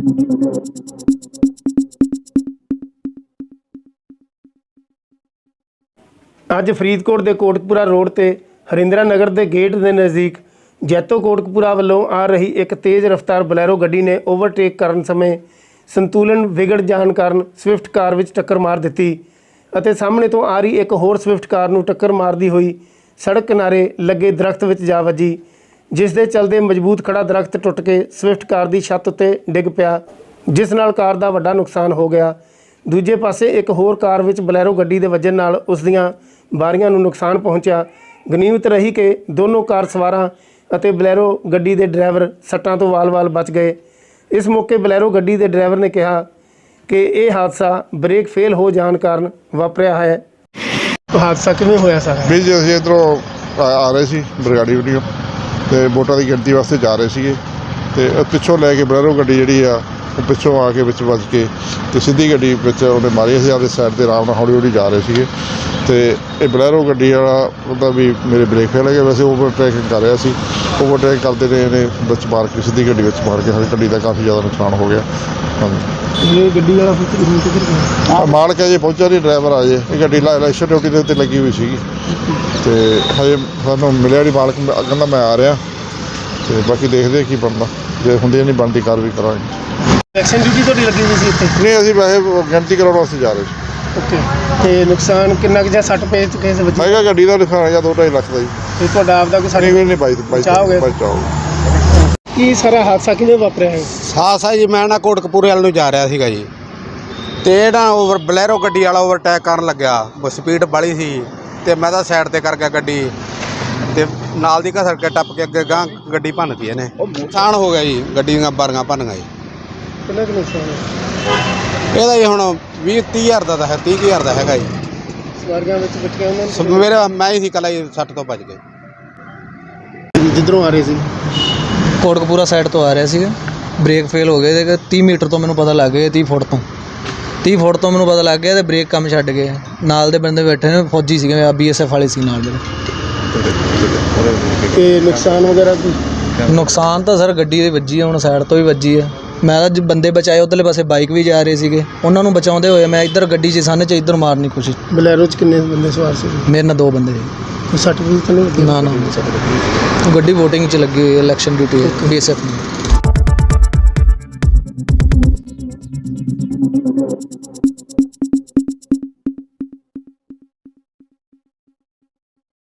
ਅੱਜ ਫਰੀਦਕੋਟ ਦੇ ਕੋਟਕਪੂਰਾ ਰੋਡ ਤੇ ਹਰਿੰਦਰਾ ਨਗਰ ਦੇ ਗੇਟ ਦੇ ਨਜ਼ਦੀਕ ਜੈਤੋ ਕੋਟਕਪੂਰਾ ਵੱਲੋਂ ਆ ਰਹੀ ਇੱਕ ਤੇਜ਼ ਰਫ਼ਤਾਰ ਬਲੈਰੋ ਗੱਡੀ ਨੇ ਓਵਰਟੇਕ ਕਰਨ ਸਮੇਂ ਸੰਤੁਲਨ ਵਿਗੜ ਜਾਣ ਕਾਰਨ ਸਵਿਫਟ ਕਾਰ ਵਿੱਚ ਟੱਕਰ ਮਾਰ ਦਿੱਤੀ ਅਤੇ ਸਾਹਮਣੇ ਤੋਂ ਆ ਰਹੀ ਇੱਕ ਹੋਰ ਸਵਿਫਟ ਕਾਰ ਨੂੰ ਟੱਕਰ ਮਾਰਦੀ ਹੋਈ ਸੜਕ ਕਿਨਾਰੇ ਲੱਗੇ ਦਰਖਤ ਵਿੱਚ ਜਾ ਵੱਜੀ, ਜਿਸ ਦੇ ਚਲਦੇ ਮਜ਼ਬੂਤ ਖੜਾ ਦਰਖਤ ਟੁੱਟ ਕੇ ਸਵਿਫਟ ਕਾਰ ਦੀ ਛੱਤ ਉੱਤੇ ਡਿੱਗ ਪਿਆ, ਜਿਸ ਨਾਲ ਕਾਰ ਦਾ ਵੱਡਾ ਨੁਕਸਾਨ ਹੋ ਗਿਆ। ਦੂਜੇ ਪਾਸੇ ਇੱਕ ਹੋਰ ਕਾਰ ਵਿੱਚ ਬਲੈਰੋ ਗੱਡੀ ਦੇ ਵੱਜਣ ਨਾਲ ਉਸ ਦੀਆਂ ਬਾਰੀਆਂ ਨੂੰ ਨੁਕਸਾਨ ਪਹੁੰਚਿਆ। ਗਨੀਮਤ ਰਹੀ ਕਿ ਦੋਨੋਂ ਕਾਰ ਸਵਾਰਾਂ ਅਤੇ ਬਲੈਰੋ ਗੱਡੀ ਦੇ ਡਰਾਈਵਰ ਸੱਟਾਂ ਤੋਂ ਵਾਲ-ਵਾਲ ਬਚ ਗਏ। ਇਸ ਮੌਕੇ ਬਲੈਰੋ ਗੱਡੀ ਦੇ ਡਰਾਈਵਰ ਨੇ ਕਿਹਾ ਕਿ ਇਹ ਹਾਦਸਾ ਬ੍ਰੇਕ ਫੇਲ ਹੋ ਜਾਣ ਕਾਰਨ ਵਾਪਰਿਆ ਹੈ। ਹਾਦਸਾ ਕਿਵੇਂ ਹੋਇਆ ਸਾਰਾ? ਵੀ ਜੀ ਅਸੀਂ ਇੱਧਰੋਂ ਆ ਰਹੇ ਸੀ ਬਰਗਾੜੀ ਵੀਡੀਓ ਅਤੇ ਵੋਟਾਂ ਦੀ ਗਿਣਤੀ ਵਾਸਤੇ ਜਾ ਰਹੇ ਸੀਗੇ ਅਤੇ ਪਿੱਛੋਂ ਲੈ ਕੇ ਬਲੈਰੋ ਗੱਡੀ ਜਿਹੜੀ ਆ ਉਹ ਪਿੱਛੋਂ ਆ ਕੇ ਵਿੱਚ ਵੱਜ ਕੇ ਅਤੇ ਸਿੱਧੀ ਗੱਡੀ ਵਿੱਚ ਉਹਨੇ ਮਾਰੀ। ਅਸੀਂ ਆਪਣੀ ਸਾਈਡ 'ਤੇ ਆਰਾਮ ਨਾਲ ਹੌਲੀ ਹੌਲੀ ਜਾ ਰਹੇ ਸੀਗੇ ਅਤੇ ਇਹ ਬਲੈਰੋ ਗੱਡੀ ਵਾਲਾ ਉਹਦਾ ਵੀ ਮੇਰੇ ਬ੍ਰੇਕ ਫੇਲ ਹੋ ਗਿਆ। ਵੈਸੇ ਓਵਰਟੇਕਿੰਗ ਕਰ ਰਿਹਾ ਸੀ, ਓਵਰਟੇਕ ਕਰਦੇ ਨੇ ਇਹਨੇ ਵਿੱਚ ਮਾਰ ਕੇ ਸਿੱਧੀ ਗੱਡੀ ਵਿੱਚ ਮਾਰ ਕੇ ਸਾਡੀ ਗੱਡੀ ਦਾ ਕਾਫੀ ਜ਼ਿਆਦਾ ਨੁਕਸਾਨ ਹੋ ਗਿਆ। ਹਾਂਜੀ, ਇਹ ਗੱਡੀ ਵਾਲਾ ਕਿੱਧਰ ਗਿਆ? ਮਾਲਕ ਅਜੇ ਪਹੁੰਚਿਆ ਨਹੀਂ, ਡਰਾਈਵਰ ਆ ਜੇ। ਇਹ ਗੱਡੀ ਇਲੈਕਸ਼ਨ ਡਿਊਟੀ ਦੇ ਉੱਤੇ ਲੱਗੀ ਹੋਈ ਸੀਗੀ ਅਤੇ ਹਜੇ ਸਾਨੂੰ ਮਿਲਿਆ ਨਹੀਂ ਮਾਲਕ, ਕਹਿੰਦਾ ਮੈਂ ਆ ਰਿਹਾ ਅਤੇ ਬਾਕੀ ਦੇਖਦੇ ਕੀ ਬਣਦਾ, ਜੇ ਹੁੰਦੀ ਨਹੀਂ ਬਣਦੀ ਕਾਰਵਾਈ ਕਰਾਂਗੇ। ਇਲੈਕਸ਼ਨ ਡਿਊਟੀ ਤੁਹਾਡੀ ਲੱਗੀ ਹੋਈ ਸੀ ਇੱਥੇ? ਨਹੀਂ, ਅਸੀਂ ਵੈਸੇ ਗਿਣਤੀ ਕਰਾਉਣ ਵਾਸਤੇ ਜਾ ਰਹੇ ਸੀ। ਓਕੇ, ਅਤੇ ਨੁਕਸਾਨ ਕਿੰਨਾ ਕੁ ਜਾਂ ਸੱਟ ਪੈ ਚੁੱਕੇ ਸੀ ਬੱਚੇ? ਹੈਗਾ ਗੱਡੀ ਦਾ ਨੁਕਸਾਨ ਜਾਂ 2-2.5 ਲੱਖ ਦਾ ਜੀ। ਅਤੇ ਤੁਹਾਡਾ ਆਪਦਾ ਕੋਈ ਨਹੀਂ ਬਚਾਅ ਹੋ ਗਿਆ? ਕੀ ਸਾਰਾ ਹਾਦਸਾ ਕਿਵੇਂ ਵਾਪਰਿਆ ਹੈ? ਹਾਦਸਾ ਜੀ, ਮੈਂ ਨਾ ਕੋਟਕਪੂਰੇ ਵੱਲ ਨੂੰ ਜਾ ਰਿਹਾ ਸੀਗਾ ਜੀ, ਅਤੇ ਇਹ ਨਾ ਬਲੈਰੋ ਗੱਡੀ ਵਾਲਾ ਓਵਰਟੇਕ ਕਰਨ ਲੱਗਿਆ। ਸਪੀਡ ਬਾਹਲੀ ਸੀ ਅਤੇ ਮੈਂ ਤਾਂ ਸਾਈਡ 'ਤੇ ਕਰ ਗਿਆ ਗੱਡੀ, ਅਤੇ ਨਾਲ ਦੀ ਘਸੜ ਕੇ ਟੱਪ ਕੇ ਅੱਗੇ ਗਾਂ ਗੱਡੀ ਭੰਨਤੀ ਇਹਨੇ। ਨੁਕਸਾਨ ਹੋ ਗਿਆ ਜੀ, ਗੱਡੀ ਦੀਆਂ ਬਾਰੀਆਂ ਭੰਨ ਗਈ। ਕਿੰਨਾ ਕੁ ਨੁਕਸਾਨ ਹੈ? ਇਹਦਾ ਜੀ ਹੁਣ 20-30 ਹਜ਼ਾਰ ਦਾ ਤਾਂ ਹੈ, 30 ਹਜ਼ਾਰ ਦਾ ਹੈਗਾ ਜੀ। ਸਵਾਰੀਆਂ ਵਿੱਚ ਬੈਠੀਆਂ ਉਹਨਾਂ ਨੂੰ? ਮੇਰਾ ਮੈਂ ਹੀ ਸੀ ਇਕੱਲਾ ਜੀ, 60 ਤੋਂ ਬਚ ਗਏ। ਜਿੱਧਰੋਂ ਆ ਰਹੇ ਸੀ? ਕੋਟਕਪੂਰਾ ਸਾਈਡ ਤੋਂ ਆ ਰਿਹਾ ਸੀਗਾ, ਬ੍ਰੇਕ ਫੇਲ ਹੋ ਗਏ ਅਤੇ 30 ਮੀਟਰ ਤੋਂ ਮੈਨੂੰ ਪਤਾ ਲੱਗ ਗਿਆ, 30 ਫੁੱਟ ਤੋਂ ਮੈਨੂੰ ਪਤਾ ਲੱਗ ਗਿਆ ਅਤੇ ਬ੍ਰੇਕ ਕੰਮ ਛੱਡ ਗਏ। ਨਾਲ ਦੇ ਬੰਦੇ ਬੈਠੇ ਨੇ, ਫੌਜੀ ਸੀਗੇ, BSF ਵਾਲੇ ਸੀ ਨਾਲ ਮੇਰੇ। ਅਤੇ ਨੁਕਸਾਨ ਵਗੈਰਾ? ਨੁਕਸਾਨ ਤਾਂ ਸਰ ਗੱਡੀ ਦੀ ਵੱਜੀ ਆ, ਹੁਣ ਸਾਈਡ ਤੋਂ ਵੀ ਵੱਜੀ ਆ। ਮੈਂ ਤਾਂ ਬੰਦੇ ਬਚਾਏ, ਉੱਧਰਲੇ ਪਾਸੇ ਬਾਈਕ ਵੀ ਜਾ ਰਹੇ ਸੀਗੇ, ਉਹਨਾਂ ਨੂੰ ਬਚਾਉਂਦੇ ਹੋਏ ਮੈਂ ਇੱਧਰ ਗੱਡੀ 'ਚ ਸੰਨ 'ਚ ਇੱਧਰ ਮਾਰਨ ਦੀ ਕੋਸ਼ਿਸ਼। ਬਲੈਰੋ 'ਚ ਕਿੰਨੇ ਬੰਦੇ ਸਵਾਰ ਸੀ? ਮੇਰੇ ਨਾਲ 2 ਬੰਦੇ ਸੀ। ਸਰਟੀਫਿਕੇਟ ਤਾਂ ਨਹੀਂ? ਨਾ ਗੱਡੀ ਵੋਟਿੰਗ 'ਚ ਲੱਗੀ ਹੋਈ, ਇਲੈਕਸ਼ਨ ਡਿਊਟੀ BSF ਦੀ।